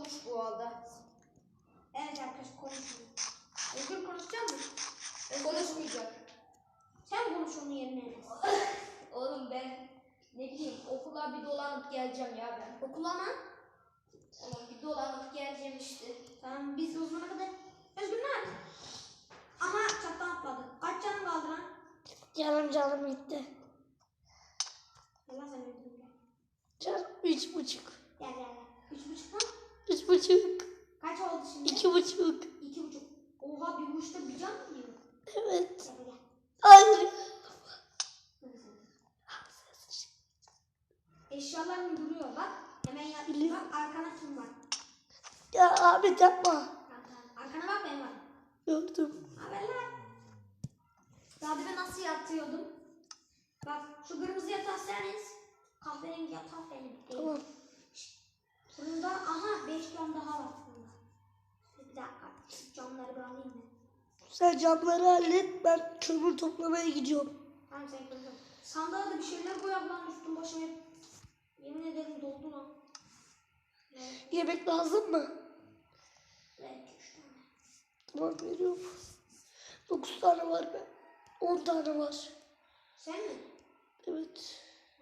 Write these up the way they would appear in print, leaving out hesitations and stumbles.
konuş bu arada. Evet arkadaşlar konuşuyor. Özgür konuşacak mı? Konuşmayacak. Sen konuş onun yerine. Oğlum ben ne bileyim okula bir dolanıp geleceğim ya ben. Okula mı? Oğlum bir dolanıp geleceğim işte. Tamam biz o zamana kadar. Özgür ne yaptın? Aha çattan atladı. Kaç canın kaldı lan? Canım gitti. Allah seni öldürürüm. Canım 3,5. Gel. 3,5 mu? 3,5. Kaç oldu şimdi? 2,5. 2,5. Oha bir buçukta bir can mı yiyor? Evet. Gel. Hayır. Eşyaların duruyor bak. Hemen yat. Biliyorum. Bak arkana kim var? Ya Ahmet yapma. Arkana bak ben var. Gördüm. Haber lan. Daha demin nasıl yatıyordum? Bak şu kırmızı yatağı seniz. Kahverengi yatağı benim. Tamam. Bunda aha 5 cam daha var. Bir dakika. Camları bir alayım mı? Sen camları hallet. Ben kömür toplamaya gidiyorum. Tamam sen koyalım. Sandığa da bir şeyler koyalım lan üstüm başım hep. Yemin ederim doldu lan. Evet. Yemek lazım mı? Belki 3 tane. Tamam veriyorum. 9 tane var be. 10 tane var. Sen mi? Evet.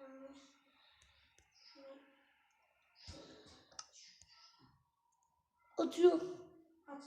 Atıyorum. At.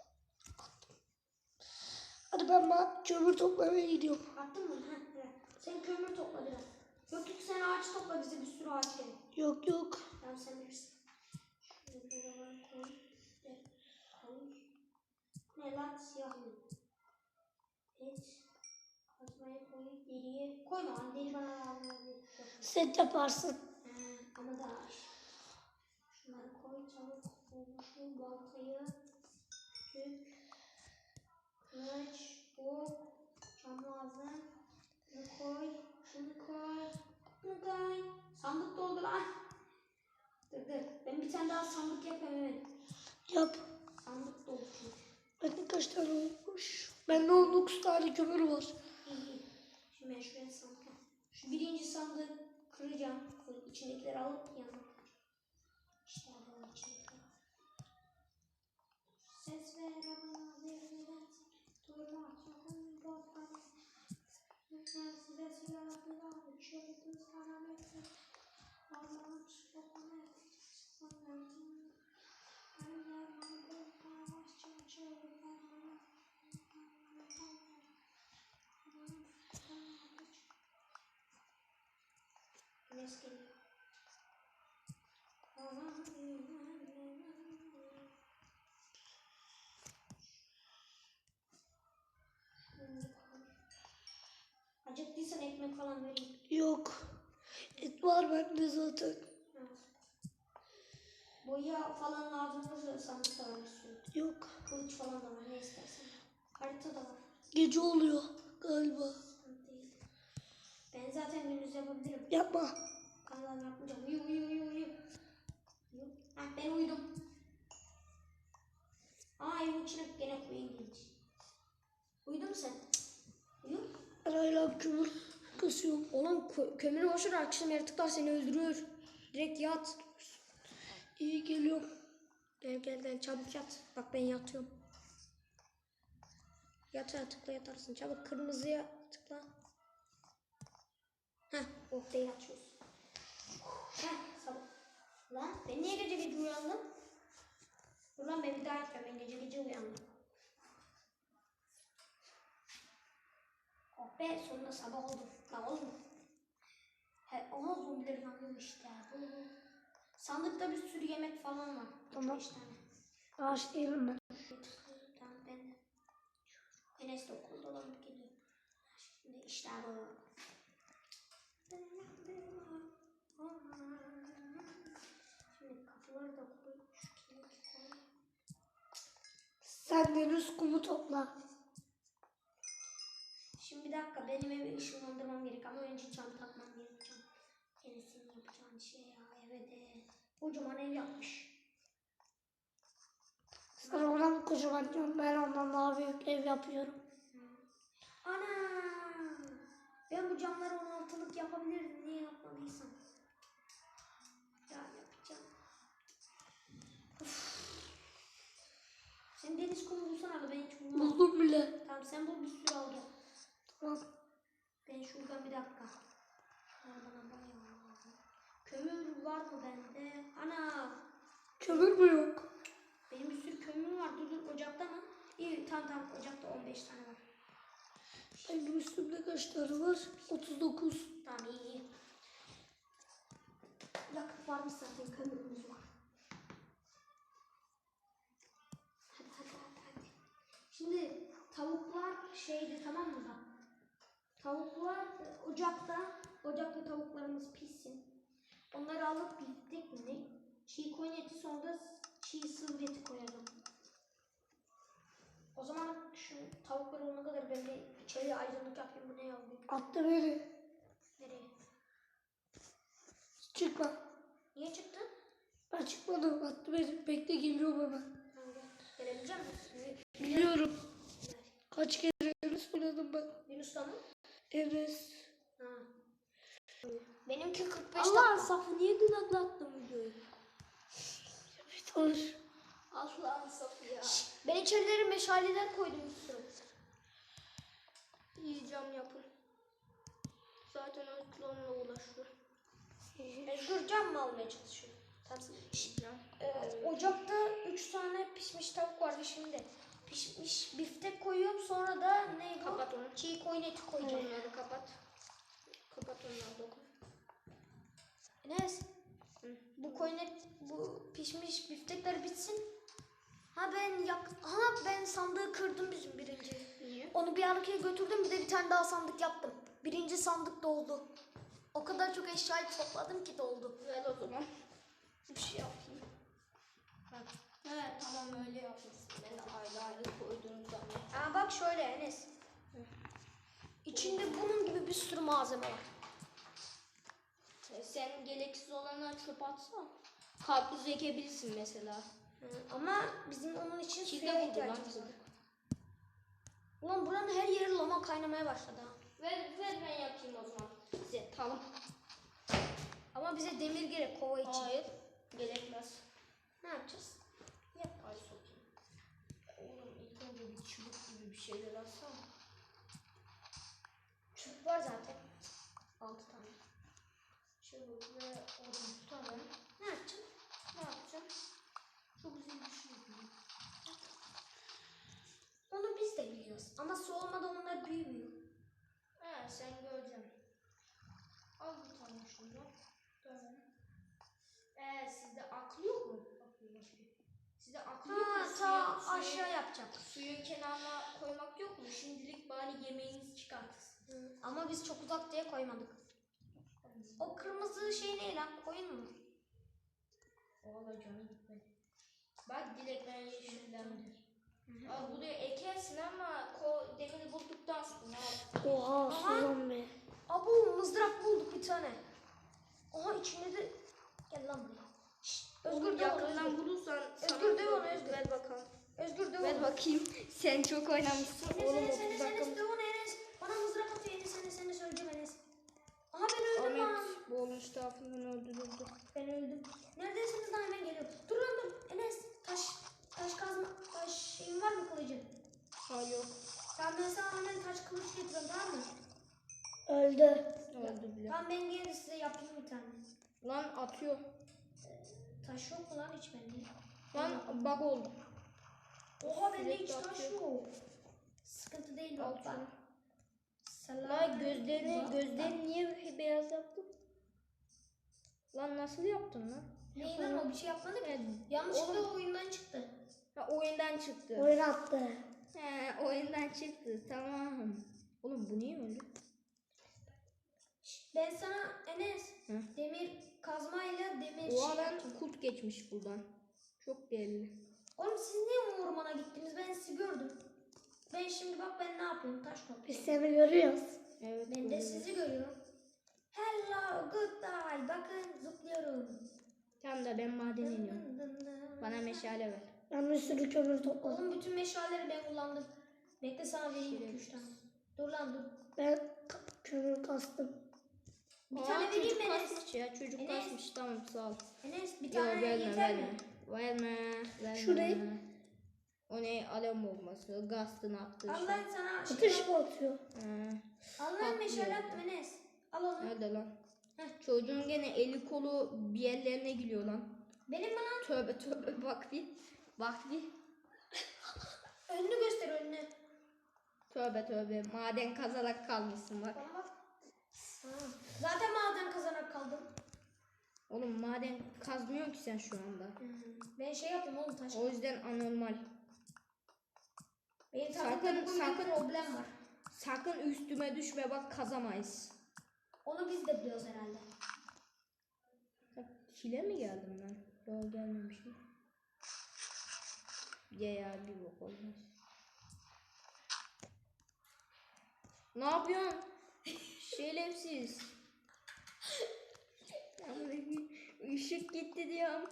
Hadi ben kömür toplamaya gidiyorum. Attın mı? Ha, evet. Sen kömür topla biraz. Yok sen ağaç topla bize bir sürü ağaç gerek. Yok. Tamam sen bilirsin. Şunu bir koy. Koy. Ne lan siyah mı? Evet. Kazmayı koy. Deriye. Koyma lan deri bana lazım. Set yaparsın. Ama daha ağaç. Şunları koy çabuk. Şu baltayı. Tüp. Kılıç. Ok. Cam lazım. Bunu koy. Şunu koy. Bunu koy. Sandık doldu lan. Dur. Ben bir tane daha sandık yapayım hemen. Yap. Sandık doldu çünkü. Bakın kaç tane olmuş. Bende 19 tane kömür var. İyi. Şimdi ben şuraya sandık yap. Şu birinci sandığı kıracağım. İçindekileri alıp yanına. İşte bu içindekileri. Ses ver ama zerreden durma sakın korkma. Size silahlar uçurdu sana metin. Allah'ım çıkmamak. Allah'ım. Allah'ım yavaşça çığırma. Güneş geliyor. Acıktıysan ekmek falan vereyim. Yok. Et var bende zaten. Evet. Boya falan lazım olursa sandıkta var bir sürü. Yok. Kılıç falan da var ne istersen. Harita da var. Gece oluyor galiba. Sıkıntı değil. Ben zaten gündüz yapabilirim. Yapma. Tamam yapmayacağım. Uyu. Heh ben uyudum. Aa evin içine gene koyayım genç. Uyudun mu sen? Uyu. Ben hala kömür kasıyorum. Oğlum kömürü boşver akşam yaratıklar seni öldürür. Direkt yat. İyi geliyorum. Gel çabuk yat. Bak ben yatıyorum. Tıkla yatarsın. Çabuk kırmızıya tıkla. Heh oh değil açıyoruz. Heh sabah. Lan ben niye gece uyandım? Dur lan ben bir daha yapıyorum. Ben gece uyandım. Oh be sonunda sabah oldu. Lan oğlum. Ona zombileri yanıyor işte. Sandıkta bir sürü yemek falan var. Tamam. 5 tane. Ağaç değilim ben. Tamam ben de. Enes de okulda dolanıp geliyor. Şimdi işler var. Şimdi kafaları da koy. Şu kilidi koy. Sen deniz kumu topla. Şimdi bir dakika benim evi ışınlandırmam gerek ama önce cam takmam gerek. Enes'in yapacağın şey ya eve de kocaman ev yapmış. Sen ondan kocaman diyorsun. Ben ondan daha büyük ev yapıyorum. Ana! Ben bu camları 16'lık yapabilirdim. Niye yapmadıysam? Ya yapacağım. Uf. Tamam sen bul bir sürü al gel. Tamam. Ben şuradan bir dakika. Bana bayağı lazım. Kömür var mı bende? Ana! Kömür mü yok? Benim bir sürü kömürüm var. Dur ocakta mı? İyi tamam ocakta 15 tane var. Benim üstümde kaç tane var? 39. Tamam iyi. Yakıt varmış zaten kömürümüz var. Hadi. Şimdi tavuklar şeydi tamam mı da? Tavuklar ocakta tavuklarımız pişsin. Onları alıp biftek mi ne? Çiğ koyun eti sonra da çiğ sığır eti koyalım. O zaman şu tavuklar olana kadar ben bir içeriye aydınlık yapayım. Bu ne yazıyor? Attı beni. Nereye? Çıkma. Niye çıktın? Ben çıkmadım. Attı beni. Bekle geliyorum hemen. Tamam gel. Gelebilecek misin? Biliyorum. Kaç kere Enes oynadım ben. Yunus'ta mı? Enes. Ha. Benimki 45 Allah dakika. Safı niye dün atlattın videoyu? Bir tanış. Allah'ın safı ya. Ben içerileri meşaleler koydum bir sürü. İyi cam yapın. Zaten Özgür onunla uğraşıyor. Özgür cam mı almaya çalışıyor? Tamam. Cam. Ocakta 3 tane pişmiş tavuk vardı şimdi. Pişmiş biftek koyuyorum sonra da ne bu? Kapat onu. Çiğ koyun eti koyacağım. Onları kapat. Kapat onları dokun. Enes. Hı. Bu pişmiş biftekler bitsin. Ben sandığı kırdım bizim birinci. Niye? Onu bir arkaya götürdüm bir de bir tane daha sandık yaptım. Birinci sandık doldu. O kadar çok eşyayı topladım ki doldu. Ver o zaman. Bir şey yapayım. Evet tamam öyle yapmışsın. Ben de ayrı koyduğum zaman. Aa bak şöyle Enes. İçinde bunun gibi bir sürü malzeme var. Sen gereksiz olanları çöp atsan. Karpuz ekebilirsin mesela. Ama bizim onun için Çiğ suya de buldu lan ihtiyacımız bizim. var. Ulan buranın her yeri lama kaynamaya başladı ha. Ver ben yapayım o zaman. Size tamam. Ama bize demir gerek kova için. Hayır. Gerekmez. Ne yapacağız? Yap. Ay sokayım. Oğlum ilk önce bir çubuk gibi bir şeyler alsana. Çubuk var zaten. 6 tane. Çubuk ve odun tutalım. Ne yapacağım? Ne yapacağım? Çok güzel bir şey yapayım. Onu biz de biliyoruz. Ama su olmadan onlar büyümüyor. He sen göreceksin. Al bir tane şunu. Tamam. Sizde aklı yok mu? Sizde aklı yok mu? Aşağı yapacağım. Suyun kenarına koymak yok mu? Şimdilik bari yemeğinizi çıkartırsın. Ama biz çok uzak diye koymadık. O kırmızı şey ne lan? Koyun mu? Valla canı gitmedi. Bak Dilek ben yeşillendi. Aa, buraya ekersin ama demiri bulduktan sonra. Oha Aha. sulan be. Abu mızrak bulduk bir tane. Aha içinde de... Gel lan buraya. Şşt, Özgür de yakından bulursan Özgür de onu Özgür. ver bakalım. Özgür de Ver onu. bakayım. Sen çok oynamışsın. Enes de onu Enes. Bana mızrak atıyor Enes söyleyeceğim Enes. Aha ben öldüm lan. Ahmet bu olmuş tarafından öldürüldü. Ben öldüm. Neredesiniz lan hemen geliyorum. Dur lan dur. Enes taş kazma. Taş şeyin var mı kılıcın? Ha yok. Tamam ben sana hemen taş kılıç getiriyorum tamam mı? Öldü. Öldü bile. Tamam ben gelin size yapayım bir tane. Lan atıyor. Taş yok mu lan hiç bende? Lan bug oldu. Oha bende Sürekli hiç taş atıyor. yok. Sıkıntı değil Al bak. şunu. Selam. Lan gözlerini niye beyaz yaptın? Lan nasıl yaptın lan? Neyi lan o bir şey yapmadı ki. Yanlışlıkla oyundan çıktı. Ha oyundan çıktı. Oyun attı. He oyundan çıktı tamam. Oğlum bu niye öldü? Ben sana Enes Hı? demir kazmayla demir O şey adam yapacağım. kurt geçmiş buradan. Çok belli. Oğlum siz niye ormana gittiniz? Ben sizi gördüm. Ben şimdi bak ben ne yapıyorum? Taş Biz topluyorum. seni görüyoruz. Evet. Ben de görüyorum. sizi görüyorum. Hello, goodbye. Bakın zıplıyorum. Tamam da ben maden iniyorum. Dın dın dın. Bana meşale ver. Ben bir sürü kömür topladım. Oğlum bütün meşaleleri ben kullandım. Bekle sana vereyim 2-3 tane. Dur lan dur. Ben kömür kastım. Bir tane vereyim çocuk mi Enes? kasmış ya çocuk Enes. kasmış tamam sağ ol. Enes bir Yok tane verme yeter verme. mi? Verme. Şurayı. O ne? Alem bombası. Gast'ın attığı şey. Allah sana Ateş mi atıyor? Allah'ın meşale attım Enes. Al onu. Nerede lan? Heh. Çocuğun gene eli kolu bir yerlerine gülüyor lan. Benim mi lan? Tövbe tövbe bak bir. Bak bir. Önünü göster önünü. Tövbe tövbe. Maden kazarak kalmışsın bak. Bana bak. Ha. Zaten maden kazanak kaldım. Oğlum maden kazmıyor ki sen şu anda. Ben şey yapayım oğlum taş. O yüzden anormal. Benim Sakın, takımda bugün sakın. bir problem var. Sakın üstüme düşme bak kazamayız. Onu biz de biliyoruz herhalde. Çile mi geldim ben? Yok gelmemişim. Ya bir bok olmaz. Ne yapıyorsun? Şerefsiz. Işık gitti diyorum.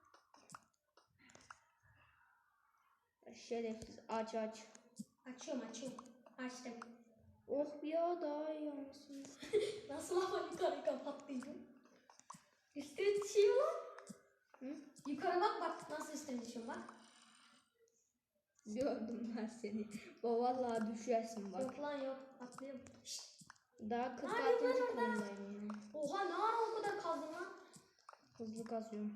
Şerefsiz aç aç. Açıyorum. Açtım. Oh ya daha iyi olmasın. Nasıl ama yukarı kapattıydım. Üstüne düşüyor lan. Hı? Yukarı bak nasıl üstüne düşüyor bak. Gördüm ben seni. Vallahi düşersin bak. Yok lan yok. Atlıyorum. Şşt. Daha 46. Hadi lan oradan. konumdayım yani. Oha ne ara o kadar kazdın lan. Hızlı kazıyorum.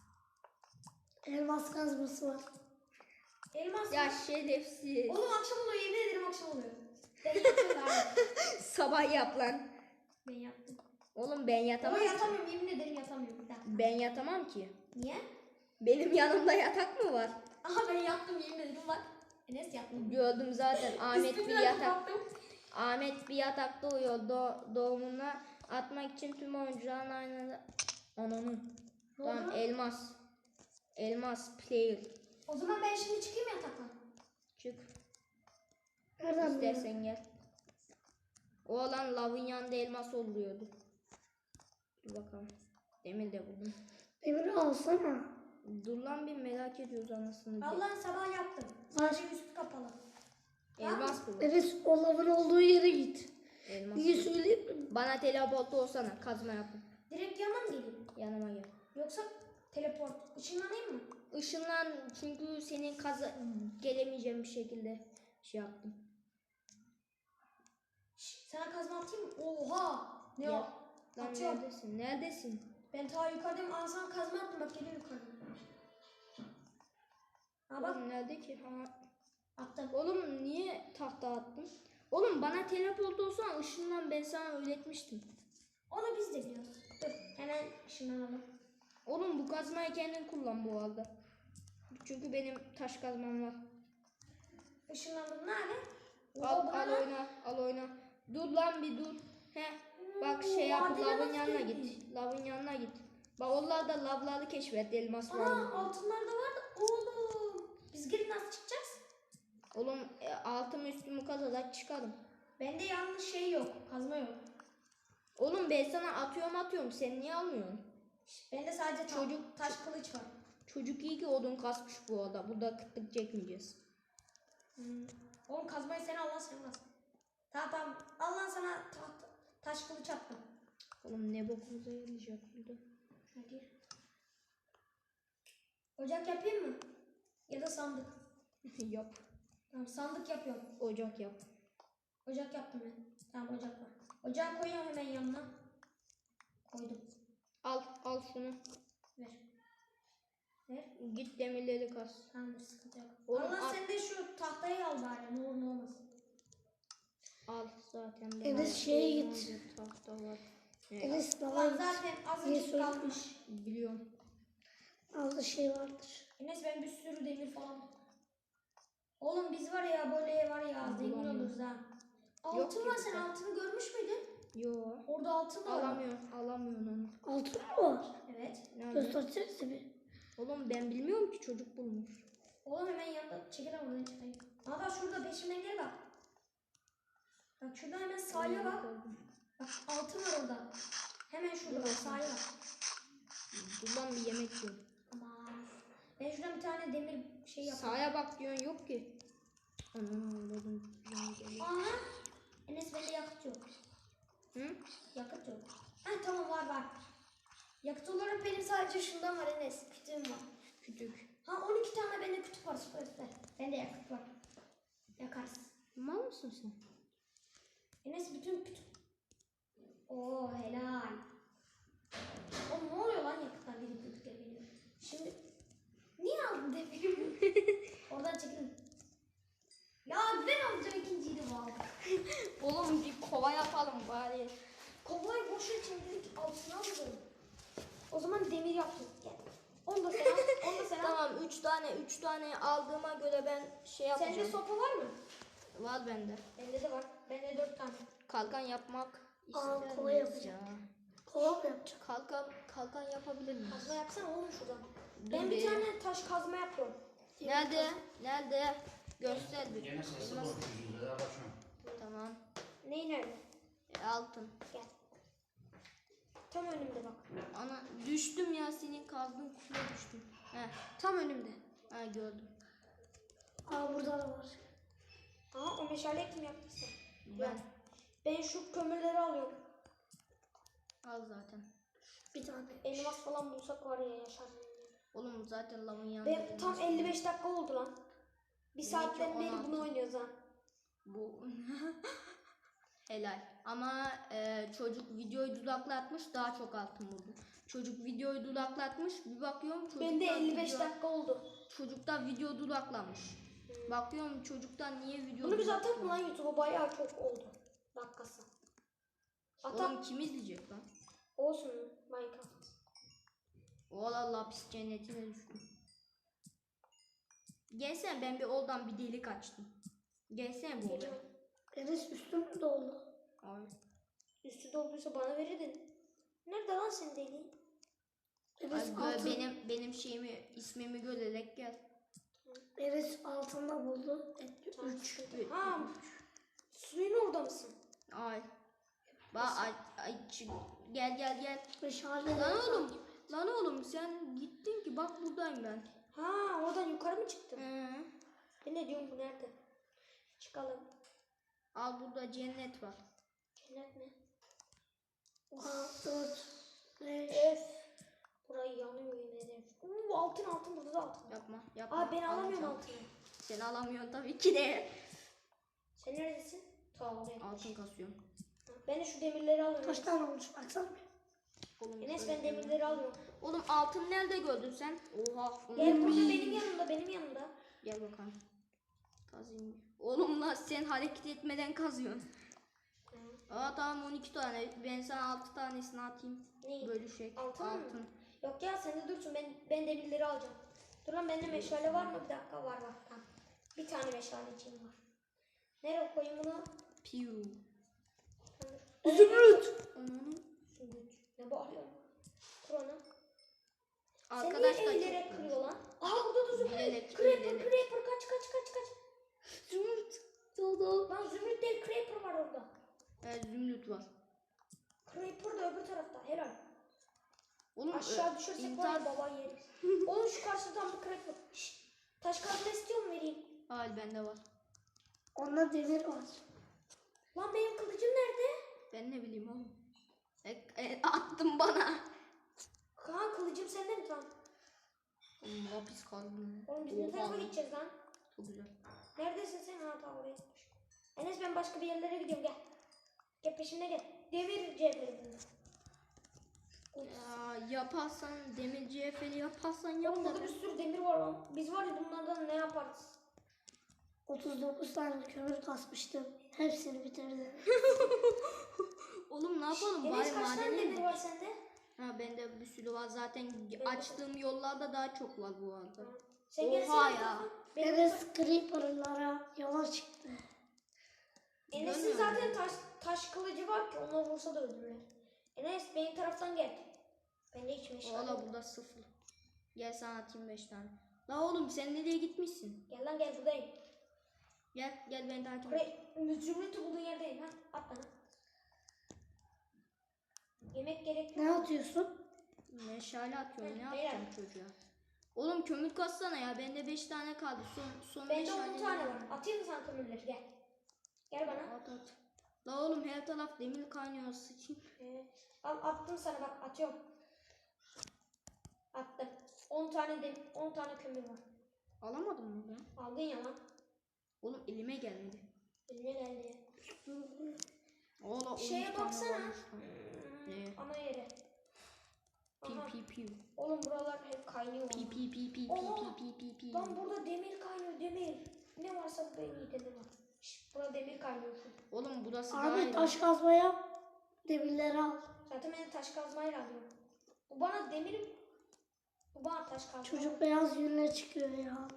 Elmas kazması var. Elmas Ya mı? şerefsiz. Oğlum akşam oluyor yemin ederim akşam oluyor. Ben yatıyorum abi. Sabah yap lan. Ben yattım. Oğlum ben yatamam. Ama yatamıyorum yemin ederim yatamıyorum. Bir dakika. Ben yatamam ki. Niye? Benim yanımda yatak mı var? Aha ben yattım yemin ederim bak. Enes yattım. Gördüm zaten. Ahmet bir Üstümden yatak. kapattım. Ahmet bir yatakta uyuyor. Doğumuna atmak için tüm oyuncuların aynı. Ananı. Ne Tamam oldu? elmas. Elmas player. O zaman ben şimdi çıkayım yataktan. Çık. Nereden biliyorsun? İstersen gel. O olan lavın yanında elmas oluyordu. Dur bakalım. Demir de buldum. Demir alsana. Dur lan bir merak ediyoruz anasını. Allah'ın sabah yaptım. Sadece üstü kapalı. Elmas buldum. Enes o lavın olduğu yere git. Elmas. Niye söyleyeyim mi? Bana teleport olsana. Kazma yapın. Direkt yanına mı geleyim? Yanıma gel. Yoksa teleport. Işınlanayım mı? Işınlan çünkü senin gelemeyeceğim bir şekilde şey yaptım. Şş, sana kazma atayım mı? Oha! Ne Gel. o? Lan Atıyorum. neredesin? Neredesin? Ben ta yukarıdayım. Al sana kazma attım bak geliyor yukarıda. Ha bak Oğlum nerede ki? Ha. attım. Oğlum niye tahta attın? Oğlum bana teleport olsan ışınlan ben sana öğretmiştim. Onu biz de biliyoruz. Dur hemen ışınlanalım. Oğlum bu kazmayı kendin kullan bu arada. Çünkü benim taş kazmam var. Işınlandım nerede? Al, Oha, bu ne al lan? oyna, al oyna. Dur lan bir dur. He. Bak şey yap, madene lavın nasıl yanına girdin? git. Lavın yanına git. Bak onlar da lavları keşfet, elmas var Ana mı? altınlar da var da oğlum. Biz girip nasıl çıkacağız? Oğlum altımı üstümü kazarak çıkarım. Bende yalnız şey yok. Kazma yok. Oğlum ben sana atıyorum sen niye almıyorsun? Bende sadece Çocuk- taş kılıç var. Çocuk iyi ki odun kasmış bu arada. Burada kıtlık çekmeyeceğiz. Oğlum kazmayı sen Allah sen kaz. Tamam. Allah sana taş kılıç attım. Oğlum ne bokumuza yarayacak burada. Hadi. Ocak yapayım mı? Ya da sandık. Yap. Tamam sandık yapıyorum. Ocak yap. Ocak yaptım ben. Tamam ocak var. Ocağı koyuyorum hemen yanına. Koydum. Al şunu. Ver. Ver. Git demirleri kaz. Tamamdır sıkıntı yok. Oğlum, Allah al. sen de şu tahtayı al bari ne olur ne olmaz. Al zaten. ben Enes al. şeye git. Hazır tahta var. Enes Ulan baba zaten Niye azıcık söyledin? kalmış. Biliyorum. aldı şey vardır. Enes ben bir sürü demir falan. Oğlum biz var ya böyle var ya zengin Bulamıyorum. oluruz ha. Yok Altın ki var sen bizde. altını görmüş müydün? Yo. Orada altın var. Alamıyorsun onu. Altın mı var? Evet. Nerede? Göstersenize bir. Oğlum ben bilmiyorum ki çocuk bulmuş. Oğlum hemen yanında çekil lan oradan çıkayım. Aa bak şurada peşimden gel bak. Bak şurada hemen sahile bak. Bak altın var orada. Hemen şurada bak sahile bak. Dur lan bir yemek yiyorum. Aman. Ben şuradan bir tane demir şey yapayım. Sağa bak diyorsun yok ki. Anam anladım. Aha. Enes bende yakıt yok. Hı? Yakıt yok. Ha tamam var. Yakıt olarak benim sadece şundan var Enes. Kütüğüm var. Kütük. Ha 12 tane bende kütük var süper süper. Bende yakıt var. Yakarız. Mal mısın sen? Enes bütün kütük. Oo helal. Oğlum ne oluyor lan yakıtlar benim kütükler benim. Şimdi niye aldın demirimi? Oradan çekilin. Ya ben alacağım ikinciyi de bu aldım. Oğlum bir kova yapalım bari. Kovayı boşa çevirdik altına alalım. O zaman demir yaptık. Gel. Onu da sen al. Onu da sen al. Tamam 3 tane aldığıma göre ben şey yapacağım. Sende sopa var mı? Var bende. Bende de var. Bende 4 tane. Kalkan yapmak ister kova miyiz yapacağım. ya? Kova mı yapacak? Kalkan yapabilir miyiz? Kazma yapsana oğlum şuradan. Dur Ben bir bir. tane taş kazma yapıyorum. Nerede? Nerede? Göster bir. Gene sesi Elmas- boş yüzüne bakıyorum. Tamam. Neyi nerede? Altın. Gel. Tam önümde bak. Ana düştüm ya senin kazdığın kuyuya düştüm. Heh. Tam önümde. Ha gördüm. Aa burada da var. Aa o meşaleyi kim yaptıysa. Ben Ben şu kömürleri alıyorum. al zaten. Bir tane. Elmas falan bulsak var ya yaşar. Oğlum zaten lavın yanında. Ve tam 55 dakika oldu lan. Bir saatten beri 16. bunu oynuyoruz ha. Bu helal. Ama çocuk videoyu dudaklatmış daha çok altın buldu. Çocuk videoyu dudaklatmış bir bakıyorum çocuktan Bende 55 video, dakika oldu. çocuktan video dudaklanmış. Bakıyorum çocuktan niye video Bunu biz atalım mı lan dudaklanmış? YouTube'a bayağı çok oldu. Dakikası. Oğlum Atam kim izleyecek lan? olsun Minecraft. Ola lapis cennetine düştüm. Gelsene ben bir oradan bir delik açtım. Gelsene bu odaya. Geliyorum. Enes üstüm doldu. Ay. Üstü dolduysa bana verirdin. Nerede lan senin deliğin? Enes Ay, böyle altın. benim şeyimi ismimi görerek gel. Enes altında buldu. Tamam, 3. sıkıntı yok. Ha, suyun orada mısın? Ay. Gel. Meşale. Lan oğlum sen gittin ki bak buradayım ben. Ha oradan yukarı mı çıktın? Hı. Ben ne diyorum bu nerede? Çıkalım. Al burada cennet var. Cennet mi? 4. 5. Öf. Burayı yanıyor yemin ederim. Altın burada da altın. Yapma. Aa ben alamıyorum Alacağım. altını. Sen alamıyorsun tabii ki de. Sen neredesin? Ta oraya. Altın kasıyorum. Ben de şu demirleri alıyorum. Kaç tane olmuş baksana. Oğlum, Enes şöyle ben demirleri alıyorum. Oğlum altın nerede gördün sen? Oha. Gel burada benim yanımda. Gel bakalım. Kazayım. Oğlum lan sen hareket etmeden kazıyorsun. Aa tamam 12 tane. Ben sana 6 tanesini atayım. Neyi? Bölüşek. Altın mı? Yok ya sen de dursun ben demirleri alacağım. Dur lan bende meşale var mı? Bir dakika var. Tamam. Bir tane meşaleciğim var. Nereye koyayım bunu? Piu. Zümrüt. Onun Zümrüt. Ne bağırıyorsun? Kur onu. arkadaşlar Sen niye eğilerek çok kırıyor lan? Aa burada da Bilerek, Zümrüt. bilerek. Creeper kaç. Zümrüt. Doldu. Lan Zümrüt değil Creeper var orada. zümrüt var. Creeper da öbür tarafta helal. Oğlum Aşağı düşersek var ya baba yeriz. Oğlum şu karşıdan bir Creeper. Şşt. Taş kazma istiyor mu vereyim? Al bende var. Onda demir var. Lan benim kılıcım nerede? Ben ne bileyim oğlum. Attın bana. Kaan kılıcım sende mi tam? Oğlum lapis kaldım. Oğlum biz ne tarafa gideceğiz lan? Çok güzel. Neredesin sen? Ha tamam oraya gitmiş. Enes ben başka bir yerlere gidiyorum gel. Gel peşimde gel. Demir cevheri. Ya yaparsan demir cefeli yaparsan yap Oğlum burada da. bir sürü demir var lan. Biz var ya bunlardan ne yaparız? 39 tane kömür kasmıştım. Hepsini bitirdim. Oğlum ne yapalım Enes bari kaç tane madene demir mi? var sende? Ha bende bir sürü var zaten de- açtığım yollarda daha çok var bu arada. Sen gelsene Oha bir ya. tarafa. Benim Enes Creeper'lara yola çıktı. Enes'in Görmüyor zaten taş kılıcı var ki ona vursa da öldürürler. Enes benim taraftan gel. Bende hiç meşale Valla yok. burada 0. Gel sana atayım 5 tane. La oğlum sen nereye gitmişsin? Gel lan gel buradayım. Gel beni takip et. Buraya zümrütü bulduğun yerdeyim ha. At bana. Yemek gerek Ne yok. atıyorsun? Meşale atıyorum ne Hı, yapacağım çocuğa? Oğlum kömür kassana ya bende 5 tane kaldı. Son Bende meşale 10 tane var. Atayım mı sen kömürleri gel. Gel bana. At. La oğlum her taraf demir kaynıyor sıçayım. Al attım sana bak atıyorum. Attım. 10 tane kömür var. Alamadın mı ben? Aldın ya lan. Oğlum elime gelmedi. Eline geldi. Oğlum Şeye baksana. Ne? Ana yere. Aha. Pi. Oğlum buralar hep kaynıyor. Pi. Oha! Lan burada demir kaynıyor, demir. Ne varsa bu en iyi demir var. Burada demir kaynıyor. Oğlum burası daha Ahmet iyi. taş kazma yap. Demirleri al. Zaten ben taş kazmayla alıyorum. Bu bana taş kazma. Çocuk beyaz yünle çıkıyor ya.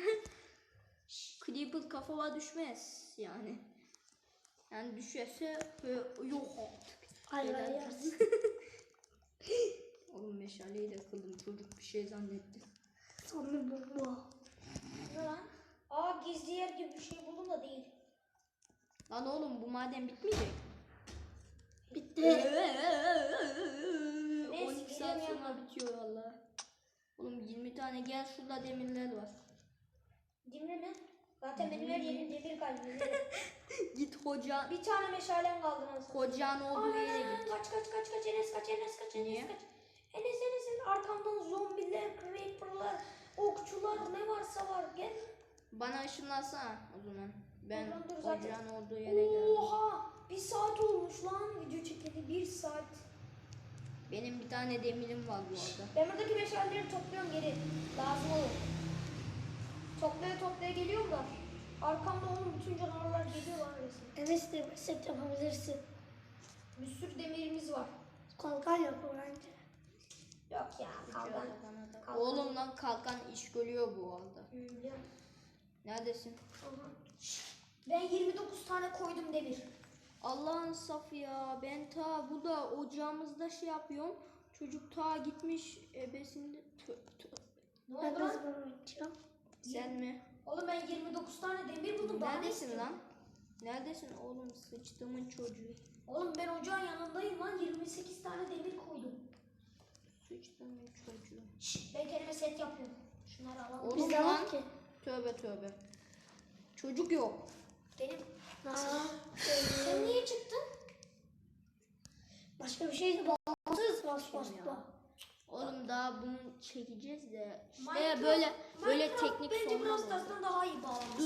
Creeper kafama düşmez yani. Yani düşerse yok artık. Hayır Neden? hayır. Oğlum meşaleyi de kıldım, çocuk bir şey zannetti. Sonra bu. Ne lan? Aa, gizli yer gibi bir şey buldum da değil. Lan oğlum bu maden bitmeyecek. Bitti. 12 saat sonra bitiyor valla. Oğlum 20 tane gel, şurada demirler var. Demir mi? Zaten benim her yerim demir kaynıyor. Git hoca, Bir tane meşalem kaldı nasıl? hocanın olduğu yere git. Kaç Enes kaç. Niye? Enes arkamdan zombiler, creeperlar, okçular ne varsa var. Gel. Bana ışınlansana o zaman. Ben Oradan dur zaten. hocanın olduğu yere geldim. Oha! 1 saat olmuş lan video çekeli. 1 saat. Benim bir tane demirim var bu arada. Ben buradaki meşaleleri topluyorum geri. Lazım olur. Toplaya geliyorum da. Arkamda onun bütün canavarlar geliyorlar resmen. Enes de set yapabilirsin. Bir sürü demirimiz var. Kalkan yap bence. Yok ya kalkan. Kalkan. Oğlum lan kalkan iş görüyor bu arada. Biliyorum. Neredesin? Aha. Ben 29 tane koydum demir. Allah'ın safı ya. Ben ta burada ocağımızda şey yapıyorum. Çocuk ta gitmiş ebesinde. Ne Ben oldu lan? kazma yapacağım. Sen mi? Oğlum ben 29 tane demir buldum. Daha ne Neredesin istiyorsun? lan? Neredesin oğlum, sıçtımın çocuğu. Oğlum ben ocağın yanındayım lan. 28 tane demir koydum. Sıçtımın çocuğu. Ben kendime set yapıyorum. Şunları alalım. Oğlum Bizde lan. var ki. Tövbe. Çocuk yok. Benim. Nasıl? Sen niye çıktın? Başka bir şey de bağımsız basmasla. Oğlum daha bunu çekeceğiz de. İşte Minecraft- böyle Minecraft teknik bence sorunlar biraz var. Stars'tan daha iyi bağlanmış.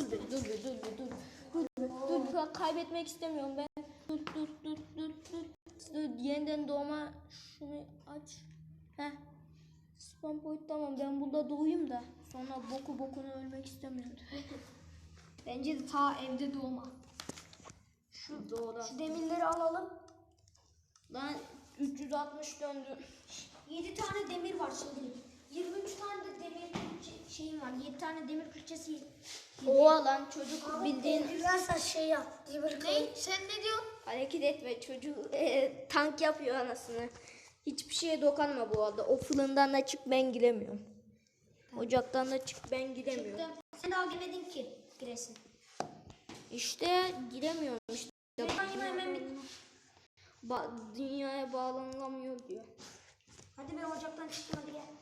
Dur. Bak, kaybetmek istemiyorum ben. Dur. Yeniden doğma, şunu aç. Heh. Spawn point tamam, ben burada doğayım da sonra bokuna ölmek istemiyorum. Bence de ta evde doğma. Şu doğru. Şu demirleri alalım. Lan 360 döndü. 7 tane demir var şimdi. 23 tane de demir şeyim var. 7 tane demir külçesi. Oha lan, çocuk bildiğin Güzelse şey yap. Demir kılıç. Sen ne diyorsun? hareket etme, çocuk tank yapıyor anasını. Hiçbir şeye dokunma bu arada. O fırından da çık, ben giremiyorum. Ocaktan da çık, ben giremiyorum. Sen daha girmedin ki giresin. İşte giremiyorum işte. Hemen bit. Dünyaya bağlanamıyor diyor. Hadi ben ocaktan çıktım, hadi gel.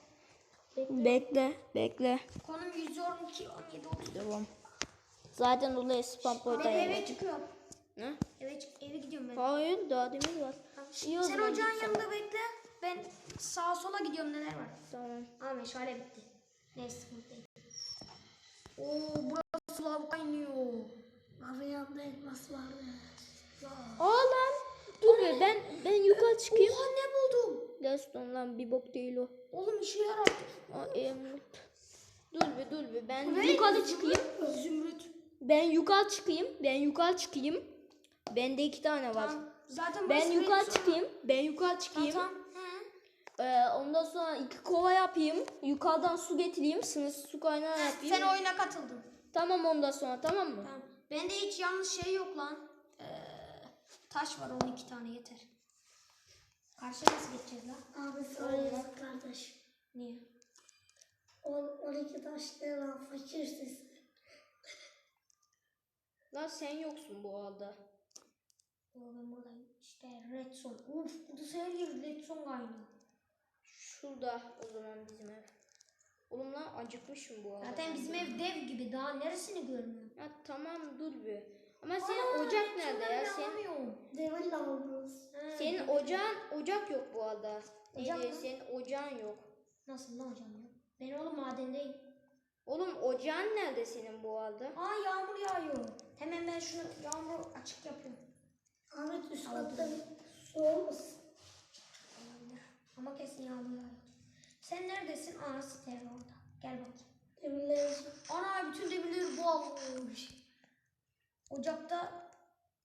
Bekle. Konum 112 17 30. Devam. Zaten dolayı spam Ben point eve çıkıyorum. Ne? Eve gidiyorum ben. Hayır, daha demir var. İyi o Sen zaman ocağın git yanında bekle. Ben sağa sola gidiyorum, neler var. Tamam. Aa, meşale bitti. Neyse sıkıntı değil. Oo, burası lav kaynıyor. Abi yanında elmas vardı. Lan. Dur be, ben yukarı çıkayım. Oha, ne buldum? Gaston lan, bir bok değil o. Oğlum işe yarar. Dur be, ben yukarı çıkayım. Zümrüt. Ben yukarı çıkayım. Bende 2 tane var. Tamam. Zaten Ben burası yukarı redstone. çıkayım. Tamam. Ondan sonra 2 kova yapayım. Yukarıdan su getireyim. Sınırsız su kaynağı yapayım. Sen oyuna katıldın. Tamam, ondan sonra tamam mı? Tamam. Bende hiç yanlış şey yok lan. Taş var 12 tane yeter. Karşıya nasıl geçeceğiz lan? Abi sana yazık kardeş. Niye? 12 taş ne lan fakirsiz. Lan sen yoksun bu arada. Ben buradayım. İşte redstone. Uf, burada her yer redstone kaynıyor. Şurada o zaman bizim ev. Oğlum lan, acıkmışım bu arada. Zaten bizim ev dev gibi. Daha neresini görmüyorum? Ya tamam, dur bir. Ama senin ocak nerede ya? Demir lavabomuz. Senin ocak yok bu arada. Ocak mı? Senin ocağın yok. Nasıl lan hocam ya? Ben oğlum madendeyim. Oğlum ocağın nerede senin bu arada? Aa yağmur yağıyor. Hemen ben şunu yağmuru açık yapıyorum. Ahmet üst katta su olmasın? Ama kesin yağmur yağıyor. Sen neredesin? Aa siteler orada. Gel bakayım. Demirler. Ana bütün demirleri bu almış. Ocakta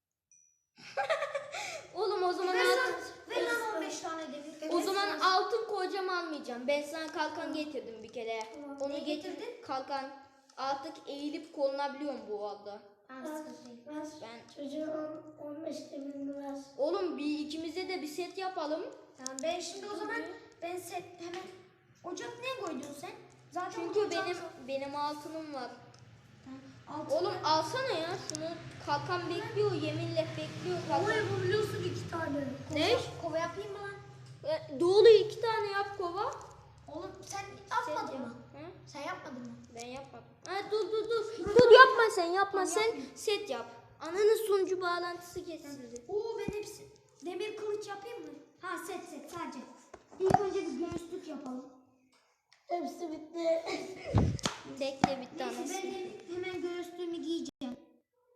Oğlum o zaman ver lan 15 tane demir. o zaman altın kocam almayacağım. Ben sana kalkan getirdim bir kere. Tamam, Onu ne getirdin. getirdin? Kalkan artık eğilip konulabiliyorum bu arada. Ben çocuğa 15 demirini ver. Oğlum bir ikimize de bir set yapalım. Tamam ben şimdi o zaman ben set hemen ocak ne koydun sen? Zaten Çünkü ocak- benim altınım var. Tamam, altın Oğlum alsana ya şunu. Kalkan bekliyor, yeminle bekliyor Ama kalkan. yapabiliyorsun 2 tane. Ne? kova yapayım mı lan? Doğulu 2 tane yap kova. Oğlum sen Set yapmadın yap. mı? Hı? Sen yapmadın mı? Ben yapmadım. Ha, dur. Dur yapma sen yapma sen set yap. Ananın sunucu bağlantısı kesildi. Oo ben hepsi demir kılıç yapayım mı? Ha set sadece. İlk önce bir göğüslük yapalım. Hepsi bitti. Bekle bitti Neyse anası. ben hemen göğüslüğümü giyeceğim.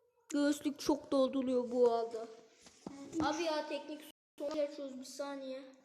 Göğüslük çok dolduruyor bu arada. Abi ya teknik sorun yaşıyoruz bir saniye.